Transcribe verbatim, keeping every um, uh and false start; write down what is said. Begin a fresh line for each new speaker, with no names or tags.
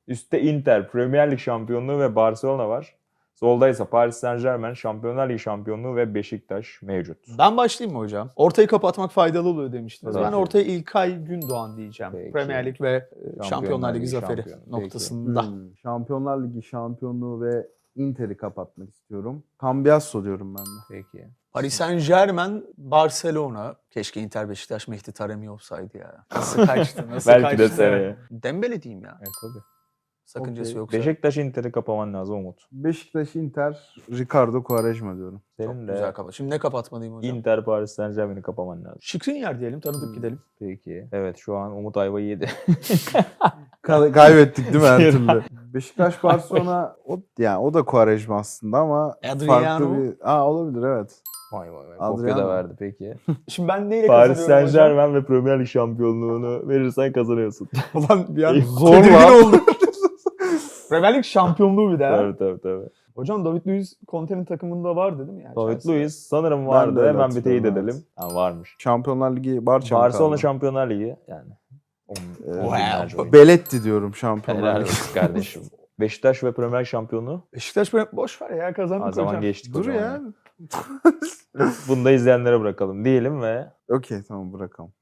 Üstte Inter, Premier Lig şampiyonluğu ve Barcelona var. Solda ise Paris Saint-Germain, Şampiyonlar Ligi şampiyonluğu ve Beşiktaş mevcut.
Ben başlayayım mı hocam? Ortayı kapatmak faydalı oluyor demiştiniz.
Tabii
Ben
ki.
ortaya İlkay Gündoğan diyeceğim.
Peki.
Premier Lig ve e, Şampiyonlar Ligi
Ligi
zaferi
şampiyonu.
noktasında.
Hmm, Şampiyonlar Ligi şampiyonluğu ve Inter'i kapatmak istiyorum. Cambiasso diyorum ben de.
Peki.
Paris Saint-Germain, Barcelona. Keşke Inter Beşiktaş Mehdi Taremi olsaydı ya. Nasıl kaçtı? Nasıl
Belki
kaçtı?
de seneye.
Dembele diyeyim ya.
Evet tabii.
Sakıncası
Okey.
yoksa.
Beşiktaş Inter'i kapaman lazım Umut.
Beşiktaş, Inter, Ricardo Quaresma diyorum.
Senin
Çok
de
güzel kapat. Şimdi ne kapatmalıyım hocam?
Inter Paris Saint-Germain'i kapaman lazım.
Skriniar diyelim, tanıdık
Hmm.
gidelim.
Peki. Evet şu an Umut ayvayı yedi.
Ka- kaybettik değil mi her türlü? Beşiktaş, Barcelona o yani o da Quaresma aslında ama
Adriano.
farklı bir... Aa olabilir evet.
Vay vay vay. Kopya da
Adriano.
verdi peki.
Şimdi ben neyle
Paris
kazanıyorum hocam?
Saint-Germain ve Premier Lig şampiyonluğunu verirsen kazanıyorsun.
Ulan bir an
Zor
tedirgin
lan.
oldum. Premier Lig şampiyonluğu bir daha.
tabii tabii tabii.
Hocam David Luiz Conte'nin takımında vardı değil mi? Yani
David
Chelsea'de?
Luiz sanırım
Ben
vardı.
de öyle
Hemen bir teyit
hatırlıyorum,
edelim. Ha, varmış.
Şampiyonlar Ligi Barça mı
Barcelona
kaldı?
Şampiyonlar Ligi yani. On,
Ee,
on binlerce oyuncu.
Beletti diyorum Şampiyonlar
Helal
Ligi.
olsun kardeşim. Beşiktaş ve Premier Lig şampiyonu.
Beşiktaş böyle boş ver ya, kazandık
O zaman
hocam.
geçtik
Dur
o zaman.
ya.
Bunu da izleyenlere bırakalım diyelim ve
Okey tamam bırakalım.